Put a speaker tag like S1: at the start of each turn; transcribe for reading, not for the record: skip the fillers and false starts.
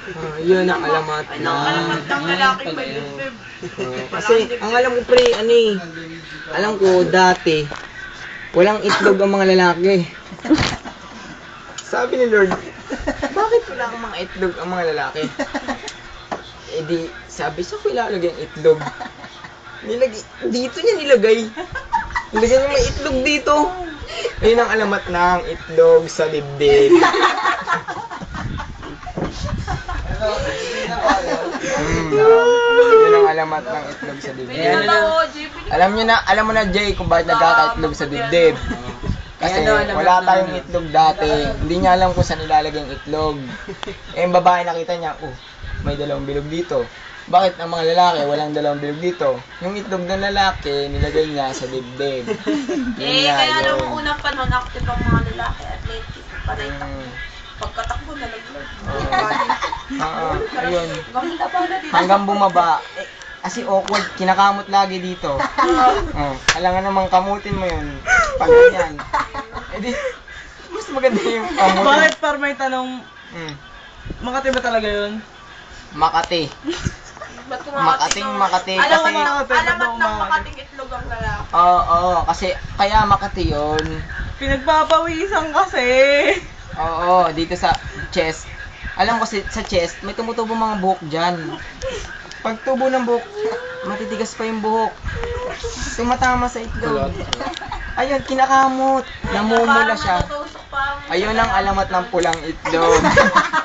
S1: Yun ang alamat
S2: Ay,
S1: na.
S2: nakalamat ng lalaki may dibdib.
S1: Kasi ang alam ko pre, ano eh, alam ko dati, walang itlog ang mga lalaki. Sabi ni Lord, bakit wala ang mga itlog ang mga lalaki? Eh di, sabi sa ko ilalagay ang itlog. Dito niya nilagay. Nilagay niya may itlog dito. Ayun ang alamat ng itlog sa dibdib. Yun ang alamat ng itlog sa dibdib.
S2: Pinili na ako, JP.
S1: Alam mo na Jay kung bakit nagkakaitlog sa dibdib. Kasi wala tayong itlog dati. Hindi niya alam kung saan nilalagay ang itlog. Eh yung babae nakita niya, may dalawang bilog dito. Bakit ang mga lalaki walang dalawang bilog dito? Yung itlog ng lalaki nilagay niya sa dibdib.
S2: Kaya nung unang panahon, active ang mga lalaki, athletic, panay takbo. Pagkatakbo, nalaglag.
S1: Ayun.
S2: Ganda pa na dito.
S1: Hanggang bumaba. Kasi awkward, kinakamot lagi dito. Alangan namang kamutin mo yun. Pag ganyan. Eh di, mas maganda yung kamutin.
S3: Bakit par may tanong, Makati ba talaga yun?
S1: Makati.
S2: Ba't
S1: Makati.
S2: Alamat
S1: Kasi,
S2: ng Makating itlog ang lalaki.
S1: oo, kasi kaya Makati yun.
S3: Pinagpapawisan kasi.
S1: Oo, dito sa chest. Alam ko sa chest, may tumutubo mga buhok dyan. Pag tubo ng buhok, matitigas pa yung buhok. Tumatama sa itlog. Ayun, kinakamot. Namumula siya. Ayun ang alamat ng pulang itlog.